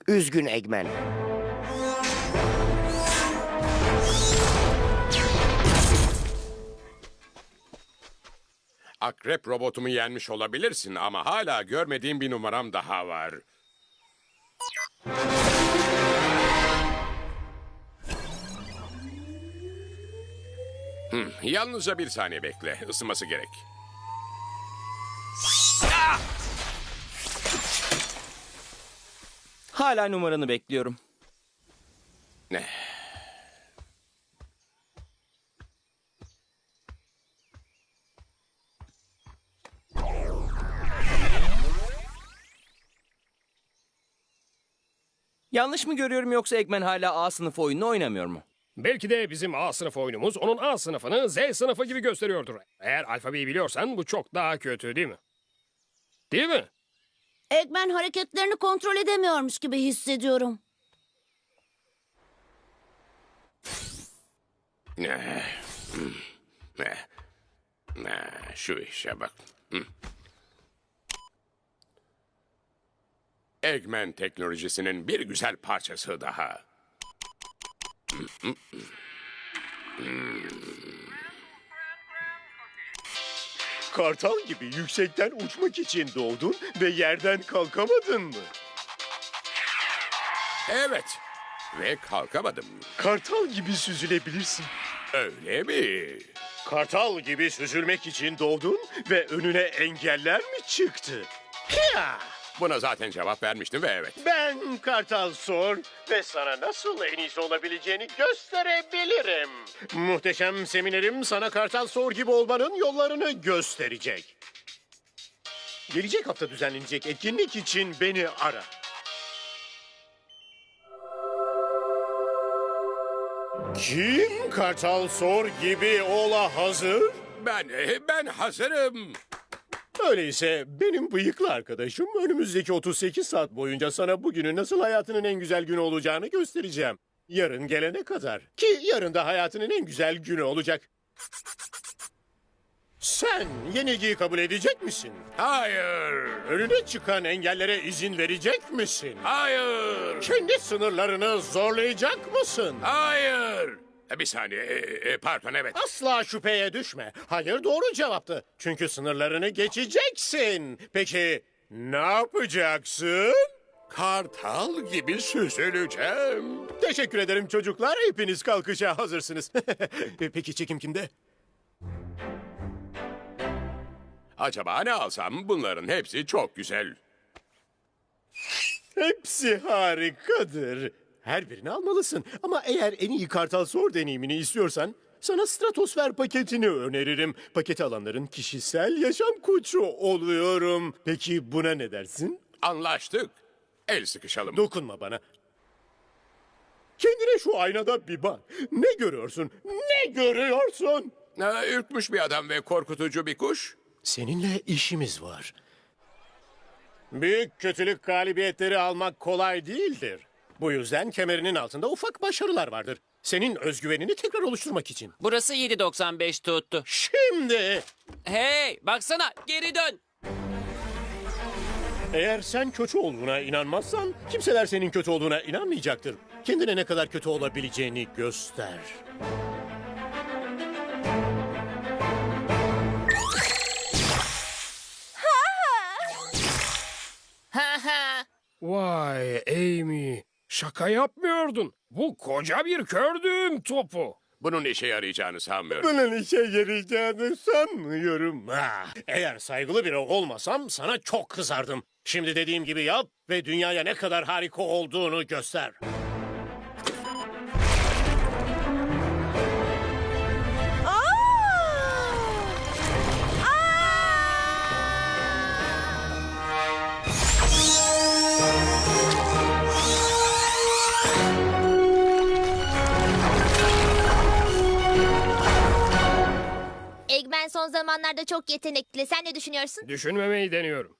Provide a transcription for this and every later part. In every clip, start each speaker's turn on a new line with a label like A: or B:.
A: Üzgün Eggman.
B: Akrep robotumu yenmiş olabilirsin ama hala görmediğim bir numaram daha var. Yalnızca bir saniye bekle. Isınması gerek.
C: Hala numaranı bekliyorum.
B: Ne?
C: Yanlış mı görüyorum yoksa Eggman hala A sınıfı oyununu oynamıyor mu?
D: Belki de bizim A sınıf oyunumuz onun A sınıfını Z sınıfı gibi gösteriyordur. Eğer alfabeyi biliyorsan bu çok daha kötü değil mi? Değil mi?
E: Eggman hareketlerini kontrol edemiyormuş gibi hissediyorum.
B: Ne? Ne? Ne? Şu işe bak. Eggman teknolojisinin bir güzel parçası daha.
F: Kartal gibi yüksekten uçmak için doğdun ve yerden kalkamadın mı?
B: Evet. Ve kalkamadım.
F: Kartal gibi süzülebilirsin.
B: Öyle mi?
F: Kartal gibi süzülmek için doğdun ve önüne engeller mi çıktı? Hiya!
B: Buna zaten cevap vermiştim ve evet.
F: Ben Kartal Sor ve sana nasıl en iyisi olabileceğini gösterebilirim. Muhteşem seminerim sana Kartal Sor gibi olmanın yollarını gösterecek. Gelecek hafta düzenlenecek etkinlik için beni ara. Kim Kartal Sor gibi ola hazır?
B: Ben hazırım.
F: Öyleyse benim bıyıklı arkadaşım önümüzdeki 38 saat boyunca sana bugünün nasıl hayatının en güzel günü olacağını göstereceğim. Yarın gelene kadar. Ki yarın da hayatının en güzel günü olacak. Sen yenilgiyi kabul edecek misin?
B: Hayır.
F: Önüne çıkan engellere izin verecek misin?
B: Hayır.
F: Kendi sınırlarını zorlayacak mısın?
B: Hayır. Bir saniye. Pardon evet.
F: Asla şüpheye düşme. Hayır doğru cevaptı. Çünkü sınırlarını geçeceksin. Peki ne yapacaksın?
B: Kartal gibi süzüleceğim.
F: Teşekkür ederim çocuklar. Hepiniz kalkışa hazırsınız. Peki çekim kimde?
B: Acaba ne alsam? Bunların hepsi çok güzel.
F: Hepsi harikadır. Her birini almalısın. Ama eğer en iyi Kartal Sor deneyimini istiyorsan sana Stratosfer paketini öneririm. Paketi alanların kişisel yaşam koçu oluyorum. Peki buna ne dersin?
B: Anlaştık. El sıkışalım.
F: Dokunma bana. Kendine şu aynada bir bak. Ne görüyorsun? Ne görüyorsun?
B: Ürkmüş bir adam ve korkutucu bir kuş.
F: Seninle işimiz var. Büyük kötülük galibiyetleri almak kolay değildir. Bu yüzden kemerinin altında ufak başarılar vardır. Senin özgüvenini tekrar oluşturmak için.
G: Burası 7.95 tuttu.
F: Şimdi
G: Hey, baksana, geri dön.
F: eğer sen kötü olduğuna inanmazsan kimseler senin kötü olduğuna inanmayacaktır. Kendine ne kadar kötü olabileceğini göster.
G: Ha ha.
D: Vay Amy, şaka yapmıyordun. Bu koca bir kördüğüm topu.
B: Bunun işe yarayacağını sanmıyorum.
F: Bunun işe yarayacağını sanmıyorum. Eğer saygılı biri olmasam sana çok kızardım. Şimdi dediğim gibi yap ve dünyaya ne kadar harika olduğunu göster.
E: Eggman son zamanlarda çok yetenekli. Sen ne düşünüyorsun?
D: Düşünmemeyi deniyorum.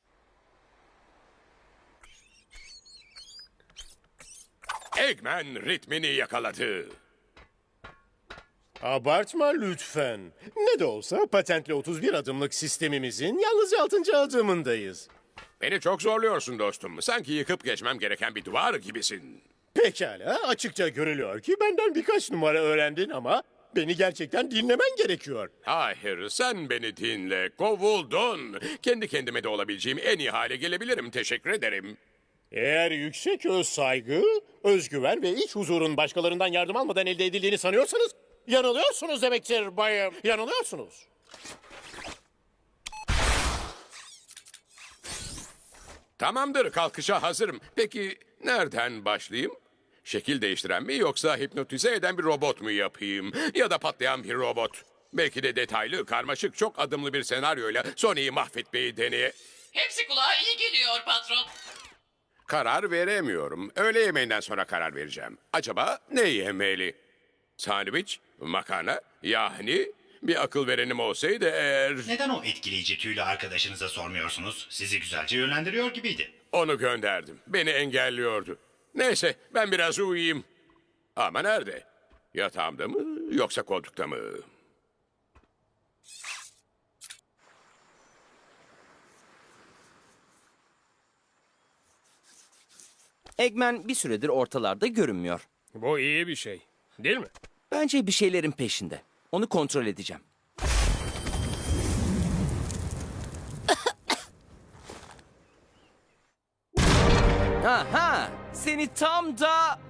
B: Eggman ritmini yakaladı.
F: Abartma lütfen. Ne de olsa patentli 31 adımlık sistemimizin yalnızca 6. adımındayız.
B: Beni çok zorluyorsun dostum. Sanki yıkıp geçmem gereken bir duvar gibisin.
F: Pekala, açıkça görülüyor ki benden birkaç numara öğrendin ama beni gerçekten dinlemen gerekiyor.
B: Hayır, sen beni dinle. Kovuldun. Kendi kendime de olabileceğim en iyi hale gelebilirim. Teşekkür ederim.
F: Eğer yüksek öz saygı, özgüven ve iç huzurun başkalarından yardım almadan elde edildiğini sanıyorsanız yanılıyorsunuz demektir bayım. Yanılıyorsunuz.
B: Tamamdır, kalkışa hazırım. Peki nereden başlayayım? Şekil değiştiren mi yoksa hipnotize eden bir robot mu yapayım? Ya da patlayan bir robot. Belki de detaylı, karmaşık, çok adımlı bir senaryoyla Sony'yi mahvetmeyi deneye...
G: Hepsi kulağa iyi geliyor patron.
B: Karar veremiyorum. Öğle yemeğinden sonra karar vereceğim. Acaba ne yemeli? Sandviç, makarna, yahni... Bir akıl verenim olsaydı eğer...
A: Neden o etkileyici tüylü arkadaşınıza sormuyorsunuz? Sizi güzelce yönlendiriyor gibiydi.
B: Onu gönderdim. Beni engelliyordu. Neyse ben biraz uyuyayım. Ama nerede? Yatağımda mı yoksa koltukta mı?
C: Eggman bir süredir ortalarda görünmüyor.
D: Bu iyi bir şey. Değil mi?
C: Bence bir şeylerin peşinde. Onu kontrol edeceğim. Aha! Seni tam da...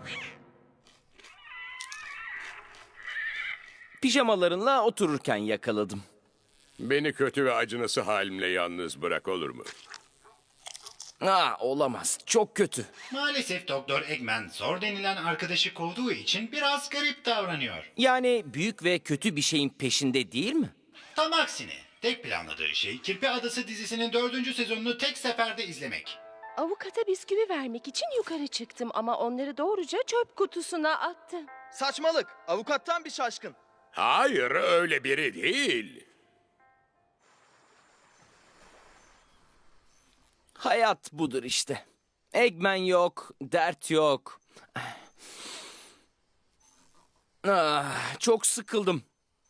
C: pijamalarınla otururken yakaladım.
B: Beni kötü ve acınası halimle yalnız bırak olur mu?
C: Olamaz. Çok kötü.
A: Maalesef Doktor Eggman zor denilen arkadaşı kovduğu için biraz garip davranıyor.
C: Yani büyük ve kötü bir şeyin peşinde değil mi?
A: Tam aksine tek planladığı şey Kirpi Adası dizisinin 4. sezonunu tek seferde izlemek.
H: Avukata bisküvi vermek için yukarı çıktım ama onları doğruca çöp kutusuna attım.
I: Saçmalık. Avukattan bir şaşkın.
B: Hayır öyle biri değil.
C: Hayat budur işte. Eggman yok, dert yok. Çok sıkıldım.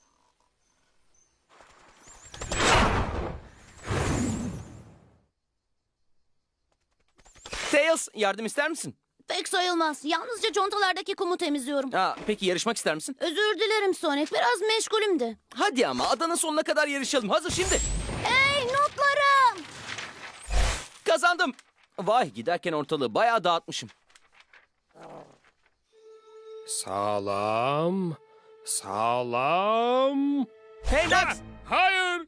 C: Tails, yardım ister misin?
E: Pek sayılmaz. Yalnızca contalardaki kumu temizliyorum.
C: Peki yarışmak ister misin?
E: Özür dilerim Sonic. Biraz meşgulüm de.
C: Hadi ama adanın sonuna kadar yarışalım. Hazır şimdi.
E: Hey notlarım!
C: Kazandım. Vay, giderken ortalığı bayağı dağıtmışım.
D: Sağlam. Sağlam.
C: Hey
D: Ah,
C: Nat!
D: hayır.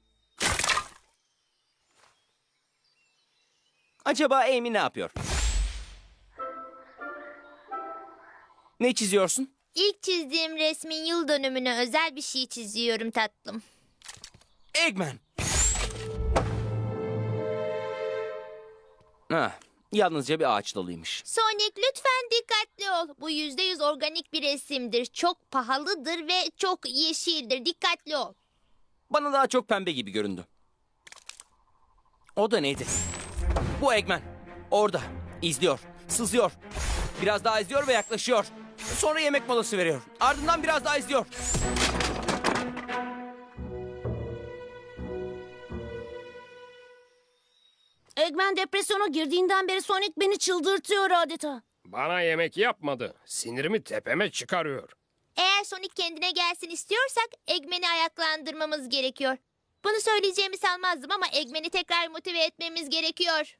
C: Acaba Amy ne yapıyor? Ne çiziyorsun?
E: İlk çizdiğim resmin yıl dönümüne özel bir şey çiziyorum tatlım.
C: Eggman. Yalnızca bir ağaç dalıymış.
E: Sonic lütfen dikkatli ol. Bu %100 organik bir resimdir. Çok pahalıdır ve çok yeşildir. Dikkatli ol.
C: Bana daha çok pembe gibi göründü. O da neydi? Bu Eggman. Orada. İzliyor. Sızıyor. Biraz daha izliyor ve yaklaşıyor. Sonra yemek molası veriyor. Ardından biraz daha izliyor.
E: Eggman depresyona girdiğinden beri Sonic beni çıldırtıyor adeta.
D: Bana yemek yapmadı. Sinirimi tepeme çıkarıyor.
E: Eğer Sonic kendine gelsin istiyorsak Eggman'i ayaklandırmamız gerekiyor. Bunu söyleyeceğimi sanmazdım ama Eggman'i tekrar motive etmemiz gerekiyor.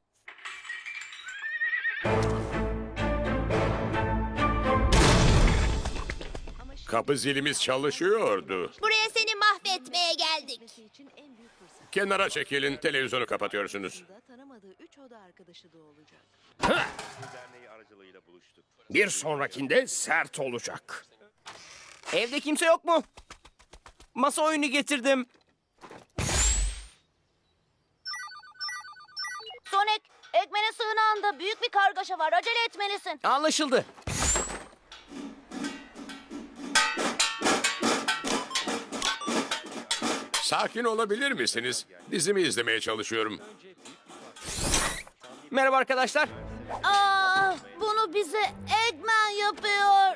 B: Kapı zilimiz çalışıyordu.
E: Buraya seni mahvetmeye geldik.
H: için en büyük fırsat.
B: Kenara çekilin, televizyonu kapatıyorsunuz.
H: Tanımadığı 3 oda arkadaşı da olacak.
D: Bir sonrakinde sert olacak.
C: Evde kimse yok mu? Masa oyunu getirdim.
E: Sonic, Eggman'in sığınağında büyük bir kargaşa var. Acele etmelisin.
C: Anlaşıldı.
B: Sakin olabilir misiniz? Dizimi izlemeye çalışıyorum.
C: Merhaba arkadaşlar.
E: Bunu bize Eggman yapıyor.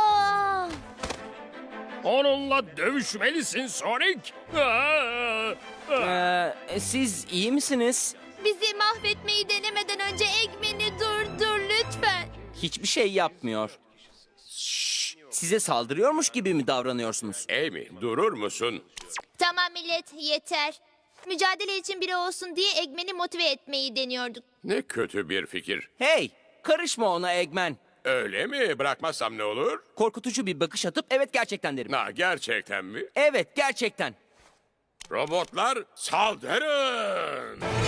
D: Onunla dövüşmelisin Sonic.
C: Siz iyi misiniz?
E: Bizi mahvetmeyi denemeden önce Eggman'i durdur lütfen.
C: Hiçbir şey yapmıyor. Size saldırıyormuş gibi mi davranıyorsunuz?
B: Amy, durur musun?
E: Tamam millet, yeter. Mücadele için biri olsun diye Eggman'i motive etmeyi deniyorduk.
B: Ne kötü bir fikir.
C: Hey, karışma ona Eggman.
B: Öyle mi? Bırakmazsam ne olur?
C: Korkutucu bir bakış atıp evet gerçekten derim.
B: Ha, gerçekten mi?
C: Evet gerçekten.
B: Robotlar saldırın!